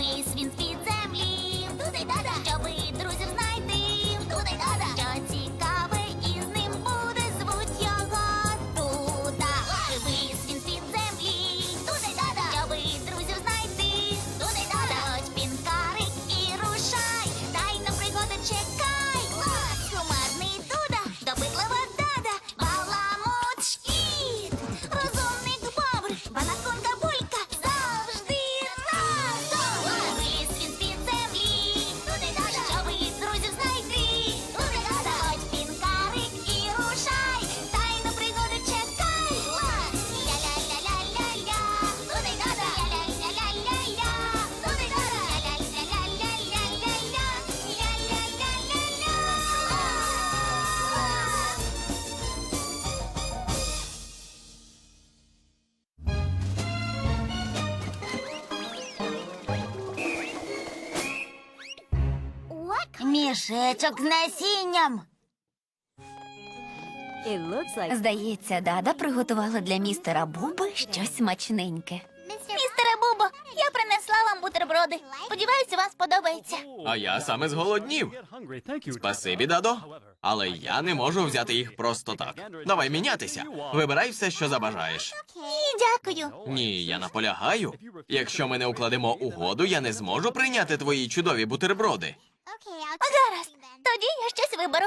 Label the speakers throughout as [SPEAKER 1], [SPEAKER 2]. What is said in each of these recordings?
[SPEAKER 1] Вись він з-під землі, туди-дада, щоби друзів знайти, туди-дада, що цікаве із ним буде, звуть його Дуда. Вись він з-під землі, туди-дада, щоби друзів знайти, туди-дада, ось пінкарик і рушай, тайну пригоду чекай. Кумедний Дуда, допитлива Дада, баламут шкіт, розумник Бобр, банаконка Булька, завжди разом. Виліз він з-під землі, туди-дада, щоби друзів знайти, туди-дада, ось пінкарик і рушай, тайну пригоду чекай. Ля-ля-ля-ля-ля-ля, туди-дада, ля-ля-ля-ля-ля-ля, туди-дада, ля-ля-ля-ля-ля-ля-ля, ля-ля-ля-ля-ля.
[SPEAKER 2] Мішечок з насінням.
[SPEAKER 3] Здається, Дада приготувала для містера Буби щось смачненьке.
[SPEAKER 1] Містере Бубо, я принесла вам бутерброди. Сподіваюся, вам сподобається.
[SPEAKER 4] А я саме зголоднів. Спасибі, Дадо. Але я не можу взяти їх просто так. Давай мінятися. Вибирай все, що забажаєш.
[SPEAKER 1] Ні, дякую.
[SPEAKER 4] Ні, я наполягаю. Якщо ми не укладемо угоду, я не зможу прийняти твої чудові бутерброди.
[SPEAKER 1] Гаразд, тоді я щось виберу.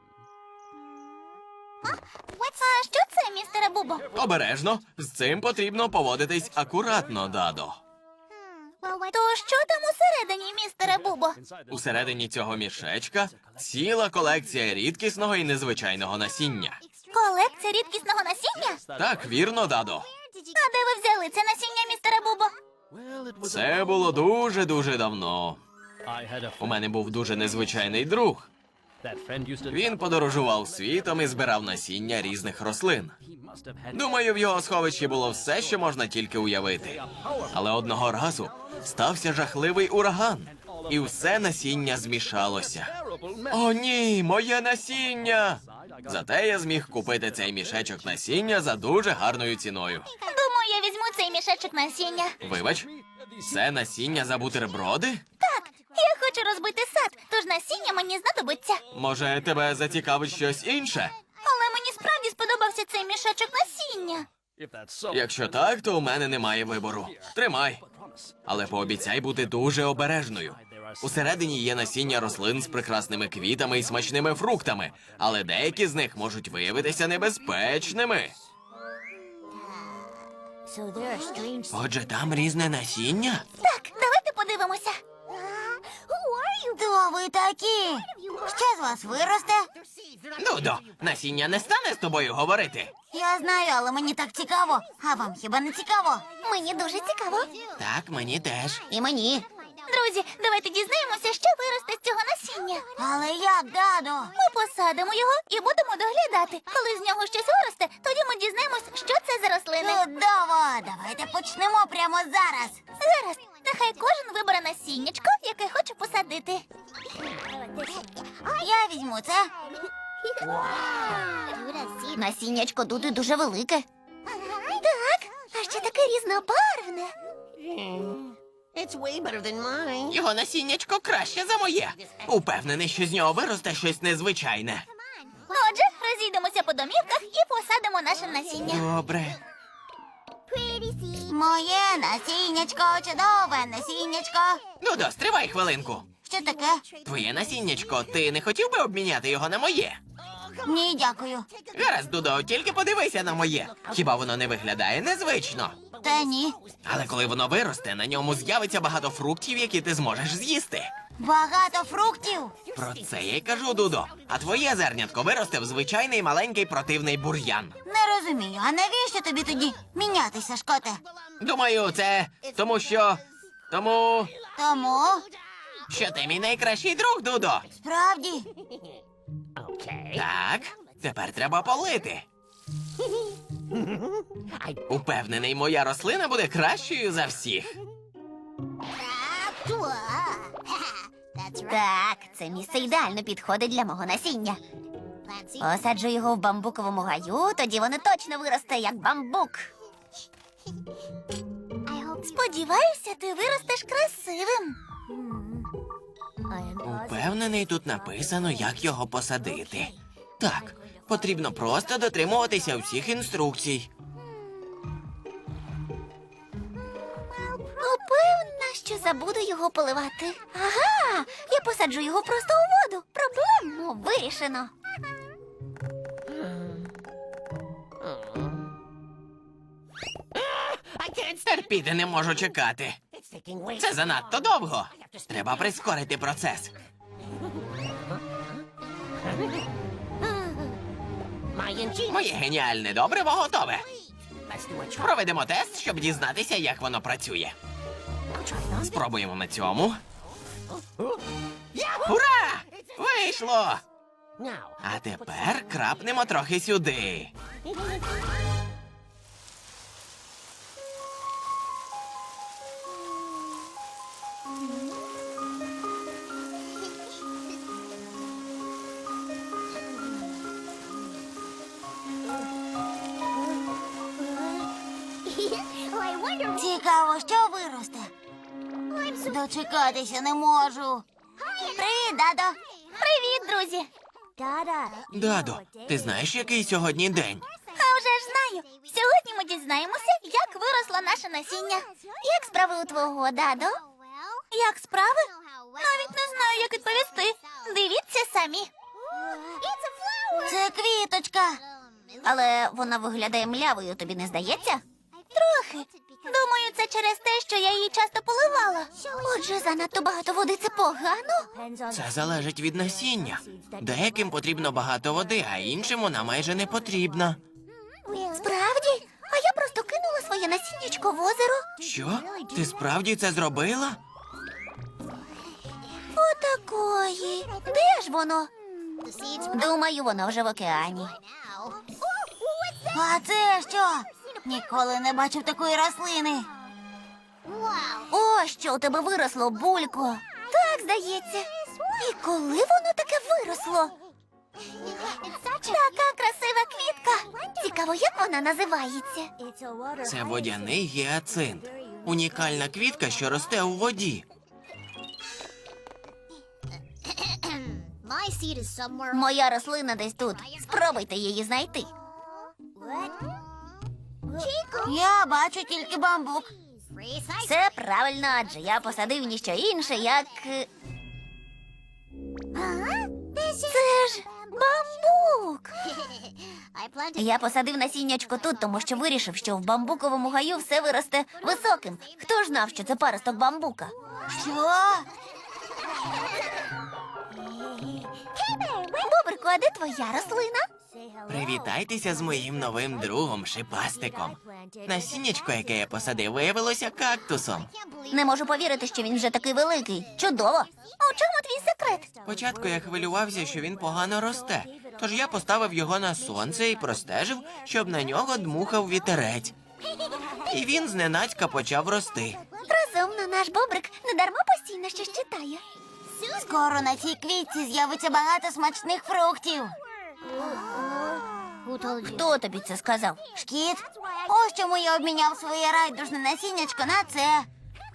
[SPEAKER 1] А що це, містере Бубо?
[SPEAKER 4] Обережно, з цим потрібно поводитись акуратно, Дадо.
[SPEAKER 1] То що там усередині, містере Бубо?
[SPEAKER 4] Усередині цього мішечка ціла колекція рідкісного і незвичайного насіння.
[SPEAKER 1] Колекція рідкісного насіння?
[SPEAKER 4] Так, вірно, Дадо.
[SPEAKER 1] А де ви взяли це насіння, містере Бубо?
[SPEAKER 4] Це було дуже-дуже давно. У мене був дуже незвичайний друг. Він подорожував світом і збирав насіння різних рослин. Думаю, в його сховищі було все, що можна тільки уявити. Але одного разу стався жахливий ураган, і все насіння змішалося. О, ні, моє насіння! Зате я зміг купити цей мішечок насіння за дуже гарною ціною.
[SPEAKER 1] Думаю, я візьму цей мішечок насіння.
[SPEAKER 4] Вибач, це насіння за бутерброди?
[SPEAKER 1] Так, я хочу розбити сад, тож насіння мені знадобиться.
[SPEAKER 4] Може, тебе зацікавить щось інше?
[SPEAKER 1] Але мені справді сподобався цей мішечок насіння.
[SPEAKER 4] Якщо так, то у мене немає вибору. Тримай. Але пообіцяй бути дуже обережною. Усередині є насіння рослин з прекрасними квітами і смачними фруктами, але деякі з них можуть виявитися небезпечними. Отже, там різне насіння?
[SPEAKER 1] Так, давайте подивимося.
[SPEAKER 2] Хто ви такі? Що з вас виросте?
[SPEAKER 4] Дудо, насіння не стане з тобою говорити.
[SPEAKER 2] Я знаю, але мені так цікаво. А вам хіба не цікаво?
[SPEAKER 1] Мені дуже цікаво.
[SPEAKER 4] Так, мені теж.
[SPEAKER 2] І мені.
[SPEAKER 1] Друзі, давайте дізнаємося, що виросте з цього насіння.
[SPEAKER 2] Але як, Дадо?
[SPEAKER 1] Ми посадимо його і будемо доглядати. Коли з нього щось виросте, тоді ми дізнаємось, що це за рослини.
[SPEAKER 2] Чудово! Давайте почнемо прямо зараз.
[SPEAKER 1] Зараз, нехай кожен вибере насіннячко, яке хоче посадити.
[SPEAKER 2] Я візьму це. Насіннячко Дуди дуже велике.
[SPEAKER 1] Так, а ще таке різнобарвне.
[SPEAKER 4] Його насіннячко краще за моє. Упевнений, що з нього виросте щось незвичайне.
[SPEAKER 1] Отже, розійдемося по домівках і посадимо наше насіння.
[SPEAKER 4] Добре.
[SPEAKER 2] Моє насіннячко, чудове насіннячко.
[SPEAKER 4] Дудо, стривай хвилинку.
[SPEAKER 2] Що таке?
[SPEAKER 4] Твоє насіннячко, ти не хотів би обміняти його на моє?
[SPEAKER 2] Ні, дякую.
[SPEAKER 4] Гаразд, Дудо, тільки подивися на моє. Хіба воно не виглядає незвично?
[SPEAKER 2] Та ні.
[SPEAKER 4] Але коли воно виросте, на ньому з'явиться багато фруктів, які ти зможеш з'їсти.
[SPEAKER 2] Багато фруктів.
[SPEAKER 4] Про це я й кажу, Дудо. А твоє зернятко виросте в звичайний маленький противний бур'ян.
[SPEAKER 2] Не розумію, а навіщо тобі тоді мінятися, Шкоте?
[SPEAKER 4] Думаю, це тому що... Тому...
[SPEAKER 2] Тому,
[SPEAKER 4] що ти мій найкращий друг, Дудо.
[SPEAKER 2] справді,
[SPEAKER 4] Так, тепер треба полити. Упевнений, моя рослина буде кращою за всіх.
[SPEAKER 3] Так, це місце ідеально підходить для мого насіння. Посаджу його в бамбуковому гаю, тоді воно точно виросте, як бамбук. Сподіваюся, ти виростеш красивим.
[SPEAKER 4] Упевнений, тут написано, як його посадити. Так, потрібно просто дотримуватися всіх інструкцій.
[SPEAKER 3] Упевнена, що забуду його поливати. Ага, я посаджу його просто у воду. Проблему вирішено.
[SPEAKER 4] Терпіти не можу чекати. Це занадто довго. Треба прискорити процес. Моє геніальне добриво готове. Проведемо тест, щоб дізнатися, як воно працює. Спробуємо на цьому. Ура! Вийшло! А тепер крапнемо трохи сюди.
[SPEAKER 2] Цікаво, що виросте. Дочекатися не можу. Привіт, дадо.
[SPEAKER 3] Привіт, друзі.
[SPEAKER 4] Дадо, ти знаєш, який сьогодні день?
[SPEAKER 3] А вже ж знаю. Сьогодні ми дізнаємося, як виросло наше насіння. Як справи у твого, дадо? Як справи? Навіть не знаю, як відповісти. Дивіться самі.
[SPEAKER 2] Це квіточка.
[SPEAKER 3] Але вона виглядає млявою, тобі не здається? Трохи. Думаю, це через те, що я її часто поливала. Отже, занадто багато води – це погано.
[SPEAKER 4] Це залежить від насіння. Деяким потрібно багато води, а іншим вона майже не потрібна.
[SPEAKER 3] Справді? А я просто кинула своє насіннячко в озеро.
[SPEAKER 4] Що? Ти справді це зробила?
[SPEAKER 3] Отакої. Де ж воно? Думаю, воно вже в океані.
[SPEAKER 2] А це що? Ніколи не бачив такої рослини.
[SPEAKER 3] О, що у тебе виросло, булько. Так, здається. І коли воно таке виросло? Така красива квітка. Цікаво, як вона називається?
[SPEAKER 4] Це водяний гіацинт. Унікальна квітка, що росте у воді.
[SPEAKER 3] Моя рослина десь тут. Спробуйте її знайти.
[SPEAKER 2] Я бачу тільки бамбук.
[SPEAKER 3] Це правильно, адже я посадив ніщо інше, як... Це ж бамбук! Я посадив насіннячко тут, тому що вирішив, що в бамбуковому гаю все виросте високим. Хто ж знав, що це паросток бамбука?
[SPEAKER 2] Що?
[SPEAKER 3] Бобрику, а де твоя рослина?
[SPEAKER 4] Привітайтеся з моїм новим другом Шипастиком. Насіннячко, яке я посадив, виявилося кактусом.
[SPEAKER 3] Не можу повірити, що він вже такий великий. Чудово! У чому твій секрет?
[SPEAKER 4] Спочатку я хвилювався, що він погано росте, тож я поставив його на сонце і простежив, щоб на нього дмухав вітерець. І він зненацька почав рости.
[SPEAKER 3] Розумно, наш бобрик недарма постійно щось читає.
[SPEAKER 2] Скоро на цій квітці з'явиться багато смачних фруктів.
[SPEAKER 3] Хто тобі це сказав?
[SPEAKER 2] Шкіт, ось чому я обміняв своє райдужне насіннячко на це.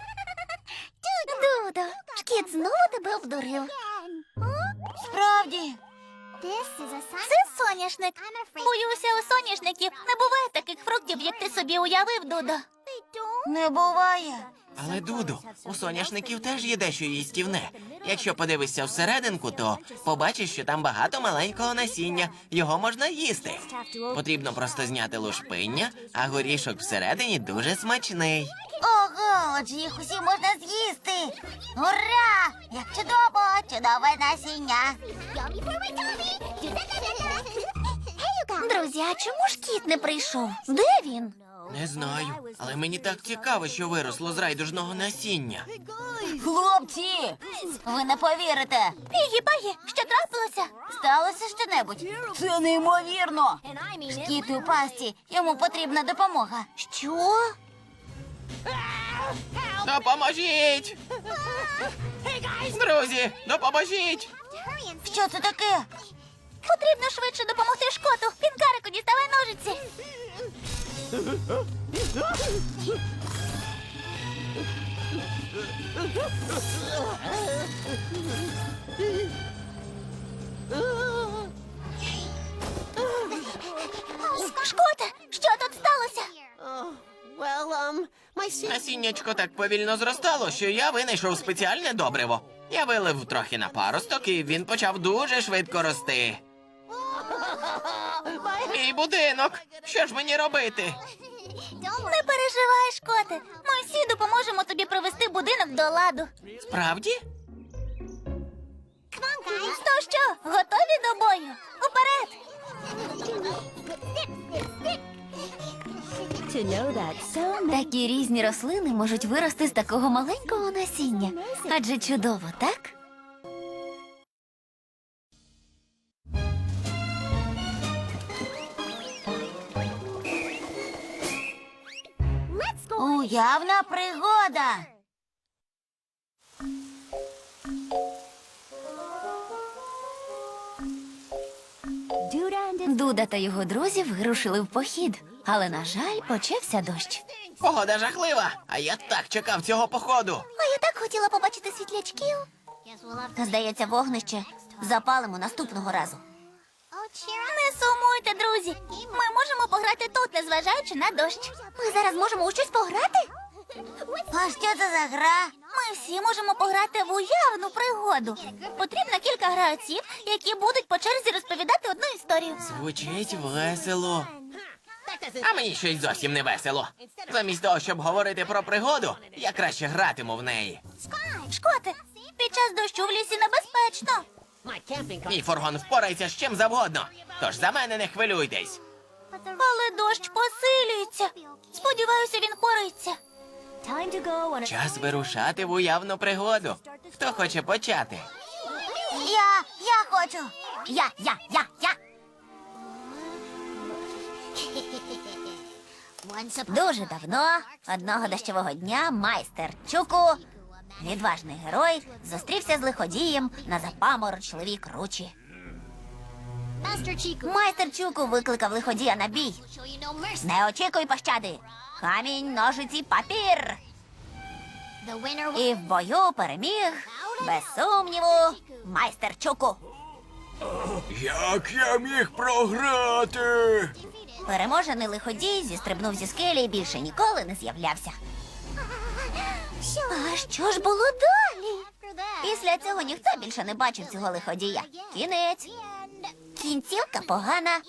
[SPEAKER 3] Дудо, шкіт знову тебе обдурив.
[SPEAKER 2] Справді.
[SPEAKER 3] Це соняшник. Боюся, у соняшників не буває таких фруктів, як ти собі уявив, Дудо.
[SPEAKER 2] Не буває.
[SPEAKER 4] Але, Дуду, у соняшників теж є дещо їстівне. Якщо подивишся всерединку, то побачиш, що там багато маленького насіння. Його можна їсти. Потрібно просто зняти лушпиння, а горішок всередині дуже смачний.
[SPEAKER 2] Ого, отже їх усі можна з'їсти. Ура! Як чудово, чудове насіння.
[SPEAKER 3] Друзі, а чому ж кіт не прийшов? Де він?
[SPEAKER 4] Не знаю, але мені так цікаво, що виросло з райдужного насіння.
[SPEAKER 2] Хлопці, ви не повірите.
[SPEAKER 3] Пігі-пагі, що трапилося?
[SPEAKER 2] Сталося щонебудь? Це неймовірно. Шкіт у пасті, йому потрібна допомога.
[SPEAKER 3] Що?
[SPEAKER 4] Допоможіть! Друзі, допоможіть!
[SPEAKER 2] Що це таке?
[SPEAKER 3] Потрібно швидше допомогти Шкоту. Пінкарику, діставай ножиці. Шкоте, що тут сталося?
[SPEAKER 4] Насіннячко так повільно зростало, що я винайшов спеціальне добриво. Я вилив трохи на паросток, і він почав дуже швидко рости. Мій будинок! Що ж мені робити?
[SPEAKER 3] Не переживай, Шкоте. Ми всі допоможемо тобі привести будинок до ладу.
[SPEAKER 4] Справді?
[SPEAKER 3] То що, готові до бою? Уперед! Такі різні рослини можуть вирости з такого маленького насіння. Адже чудово, так?
[SPEAKER 2] Уявна пригода.
[SPEAKER 3] Дуда та його друзі вирушили в похід, але, на жаль, почався дощ.
[SPEAKER 4] Погода жахлива, а я так чекав цього походу.
[SPEAKER 3] А я так хотіла побачити світлячків. Здається, вогнище запалимо наступного разу. Не сумуйте, друзі. Ми можемо пограти тут, незважаючи на дощ. Ми зараз можемо у щось пограти?
[SPEAKER 2] А що це за гра?
[SPEAKER 3] Ми всі можемо пограти в уявну пригоду. Потрібно кілька гравців, які будуть по черзі розповідати одну історію.
[SPEAKER 4] Звучить весело. А мені щось зовсім не весело. Замість того, щоб говорити про пригоду, я краще гратиму в неї.
[SPEAKER 3] Шкоте, під час дощу в лісі небезпечно.
[SPEAKER 4] Мій фургон впорається з чим завгодно, тож за мене не хвилюйтесь.
[SPEAKER 3] Але дощ посилюється. Сподіваюся, він пориться.
[SPEAKER 4] Час вирушати в уявну пригоду. Хто хоче почати?
[SPEAKER 2] Я хочу.
[SPEAKER 3] Я. Дуже давно, одного дощового дня, майстер Чуку, відважний герой, зустрівся з лиходієм на запаморочливій кручі. Майстер Чуку викликав лиходія на бій. Не очікуй пощади. Камінь, ножиці, папір. І в бою переміг, без сумніву, майстер Чуку.
[SPEAKER 4] Як я міг програти?
[SPEAKER 3] Переможений лиходій зістрибнув зі скелі і більше ніколи не з'являвся. А що ж було далі? Після цього ніхто більше не бачив цього лиходія. Кінець. Кінцівка погана.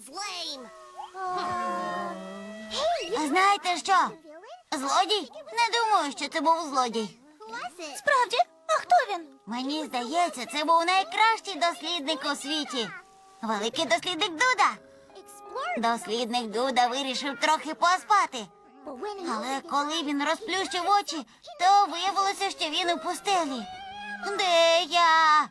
[SPEAKER 2] А знаєте що? Злодій? Не думаю, що це був злодій.
[SPEAKER 3] Справді? А хто він?
[SPEAKER 2] Мені здається, це був найкращий дослідник у світі. Великий дослідник Дуда. Дослідник Дуда вирішив трохи поспати. Але коли він розплющив очі, то виявилося, що він у пустелі. Де я?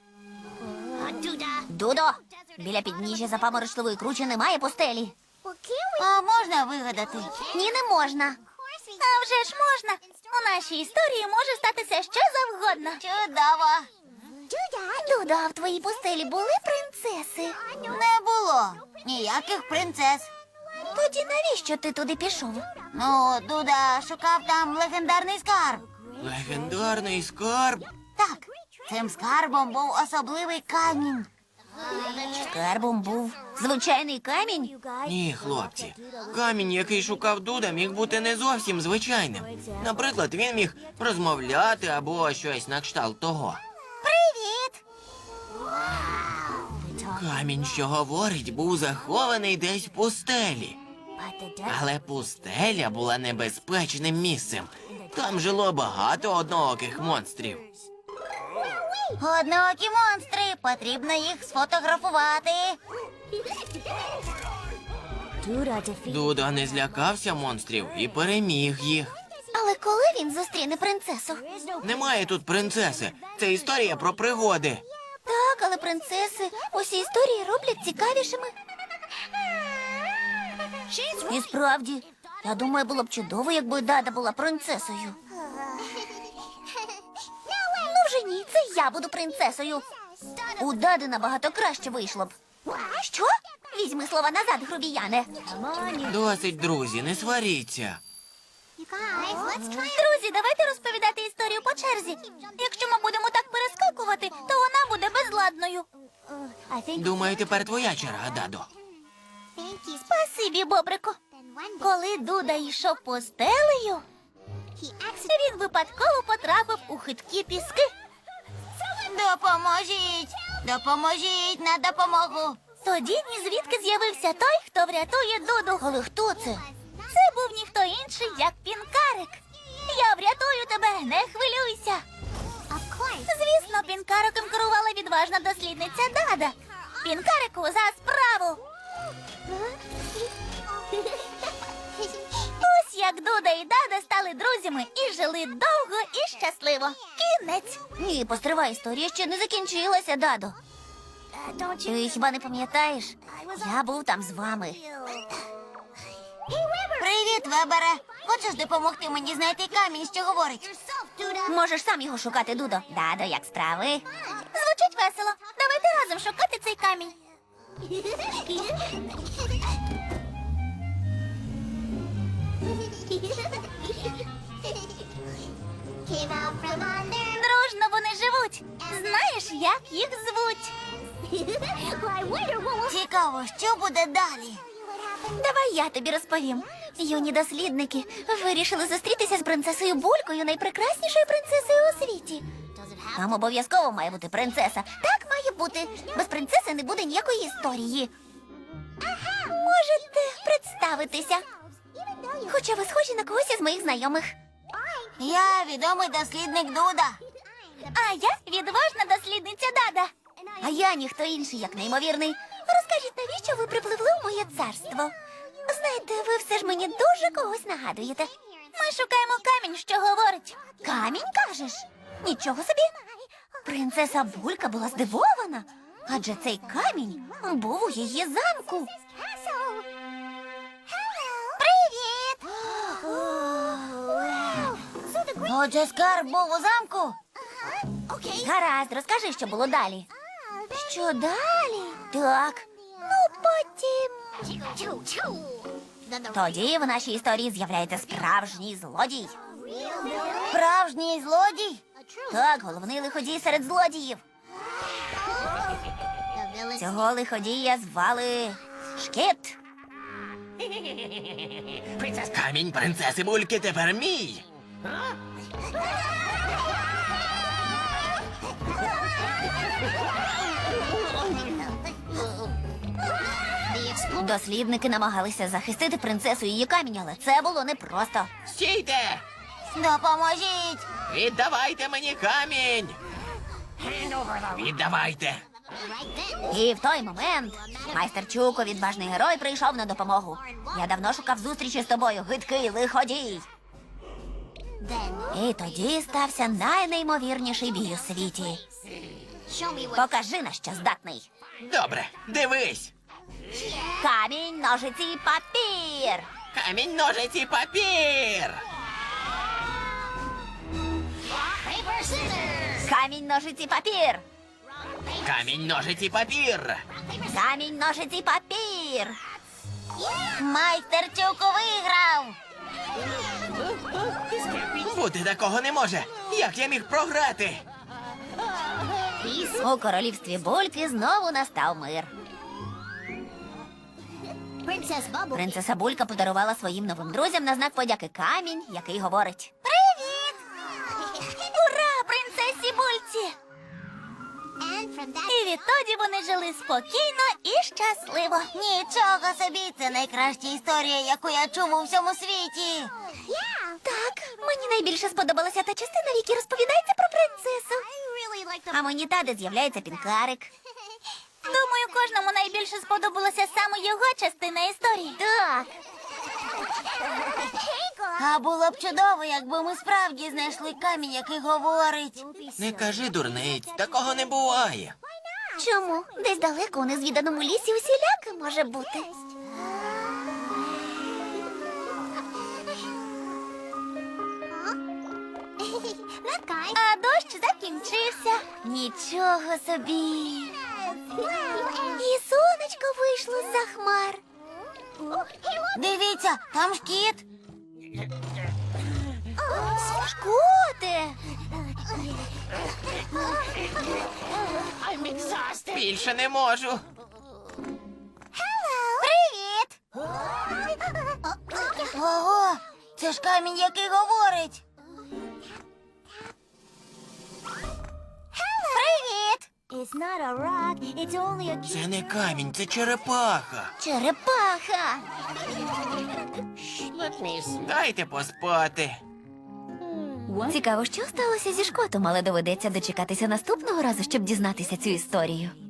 [SPEAKER 3] Дудо, біля підніжжя запаморочливої кручі немає пустелі.
[SPEAKER 2] А можна вигадати?
[SPEAKER 3] Ні, не можна. А вже ж можна. У нашій історії може статися що завгодно.
[SPEAKER 2] Чудово.
[SPEAKER 3] Дудо, а в твоїй пустелі були принцеси?
[SPEAKER 2] Не було ніяких принцес.
[SPEAKER 3] Тоді навіщо ти туди пішов?
[SPEAKER 2] Ну, Дуда шукав там легендарний скарб.
[SPEAKER 4] Легендарний скарб?
[SPEAKER 2] Так, цим скарбом був особливий камінь.
[SPEAKER 3] Скарбом був звичайний камінь?
[SPEAKER 4] Ні, хлопці. Камінь, який шукав Дуда, міг бути не зовсім звичайним. Наприклад, він міг розмовляти або щось на кшталт того.
[SPEAKER 2] Привіт!
[SPEAKER 4] Камінь, що говорить, був захований десь в пустелі. Але пустеля була небезпечним місцем. Там жило багато однооких монстрів.
[SPEAKER 2] Однокі монстри, потрібно їх сфотографувати.
[SPEAKER 4] Дуда не злякався монстрів і переміг їх.
[SPEAKER 3] Але коли він зустріне принцесу?
[SPEAKER 4] Немає тут принцеси. Це історія про пригоди.
[SPEAKER 3] Так, але принцеси усі історії роблять цікавішими. І справді, я думаю, було б чудово, якби Дада була принцесою. Ну вже ні, це я буду принцесою. У Дади набагато краще вийшло б. Що? Візьми слова назад, грубіяне.
[SPEAKER 4] Досить, друзі, не сваріться.
[SPEAKER 3] Друзі, давайте розповідати історію по черзі. Якщо ми будемо так перескакувати, то вона буде безладною.
[SPEAKER 4] Думаю, тепер твоя черга, Дадо.
[SPEAKER 3] Спасибі, Бобрику. Коли Дуда йшов по стелею, він випадково потрапив у хиткі піски.
[SPEAKER 2] Допоможіть! Допоможіть на допомогу!
[SPEAKER 3] Тоді ні звідки з'явився той, хто врятує Дуду. Але хто це? Це був ніхто інший, як Пінкарик. Я врятую тебе, не хвилюйся. Звісно, Пінкариком керувала відважна дослідниця Дада. Пінкарику, за справу! Ось як Дуда і Дада стали друзями і жили довго і щасливо. Кінець. Ні, постривай, історія ще не закінчилася, Дадо. Ти хіба не пам'ятаєш? Я був там з вами.
[SPEAKER 2] Привіт, Вебере! Хочеш допомогти мені знайти камінь, що говорить?
[SPEAKER 3] Можеш сам його шукати, Дудо. Дадо, як справи? Звучить весело. Давайте разом шукати цей камінь. Дружно вони живуть. Знаєш, як їх звуть?
[SPEAKER 2] Цікаво, що буде далі?
[SPEAKER 3] Давай я тобі розповім. Юні дослідники вирішили зустрітися з принцесою Булькою, найпрекраснішою принцесою у світі. Там обов'язково має бути принцеса. Так має бути. Без принцеси не буде ніякої історії. Можете представитися. Хоча ви схожі на когось із моїх знайомих.
[SPEAKER 2] Я відомий дослідник Дуда.
[SPEAKER 3] А я відважна дослідниця Дада. А я ніхто інший, як неймовірний. Розкажіть, навіщо ви припливли у моє царство? Знаєте, ви все ж мені дуже когось нагадуєте. Ми шукаємо камінь, що говорить. Камінь, кажеш? Нічого собі. Принцеса Булька була здивована, адже цей камінь був у її замку. Привіт!
[SPEAKER 2] Отже, скарб був у замку?
[SPEAKER 3] Гаразд, розкажи, що було далі. Що далі? Так. Ну, потім. Тоді в нашій історії з'являється справжній злодій.
[SPEAKER 2] Справжній злодій?
[SPEAKER 3] Так, головний лиходій серед злодіїв. Цього лиходія звали Шкіт.
[SPEAKER 4] Камінь принцеси Бульки тепер мій.
[SPEAKER 3] Дослідники намагалися захистити принцесу і її камінь, але це було непросто.
[SPEAKER 4] Стійте!
[SPEAKER 2] Допоможіть!
[SPEAKER 4] Віддавайте мені камінь! Віддавайте!
[SPEAKER 3] І в той момент майстер Чуко, відважний герой, прийшов на допомогу. Я давно шукав зустрічі з тобою, гидкий лиходій. І тоді стався найнеймовірніший бій у світі. Покажи, на що здатний.
[SPEAKER 4] Добре, дивись!
[SPEAKER 3] Камінь, ножиці, папір.
[SPEAKER 4] Камінь, ножиці, папір!
[SPEAKER 3] Камінь, ножиці, папір.
[SPEAKER 4] Камінь, ножиці, папір!
[SPEAKER 3] Камінь, ножиці, папір.
[SPEAKER 2] Майстер Чуко виграв!
[SPEAKER 4] Бути такого не може! Як я міг програти?
[SPEAKER 3] У королівстві Бульки знову настав мир. Принцеса Булька подарувала своїм новим друзям на знак подяки камінь, який говорить: Привіт! Ура, принцесі Бульці! І відтоді вони жили спокійно і щасливо.
[SPEAKER 2] Нічого собі, це найкраща історія, яку я чув у всьому світі.
[SPEAKER 3] Так, мені найбільше сподобалася та частина, в якій розповідається про принцесу. А мені та, де з'являється Пінкарик. Думаю, кожному найбільше сподобалася саме його частина історії. Так.
[SPEAKER 2] А було б чудово, якби ми справді знайшли камінь, який говорить.
[SPEAKER 4] Не кажи дурниць, такого не буває.
[SPEAKER 3] Чому? Десь далеко у незвіданому лісі усіляке може бути. А дощ закінчився. Нічого собі. І сонечко вийшло з-за хмар.
[SPEAKER 2] Дивіться, там шкіт.
[SPEAKER 3] Шкоте!
[SPEAKER 4] Більше не можу.
[SPEAKER 2] Привіт! Ого, це ж камінь, який говорить. Привіт!
[SPEAKER 4] Це не камінь, це черепаха.
[SPEAKER 3] Черепаха!
[SPEAKER 4] Дайте поспати.
[SPEAKER 3] Цікаво, що сталося зі Шкотом, але доведеться дочекатися наступного разу, щоб дізнатися цю історію.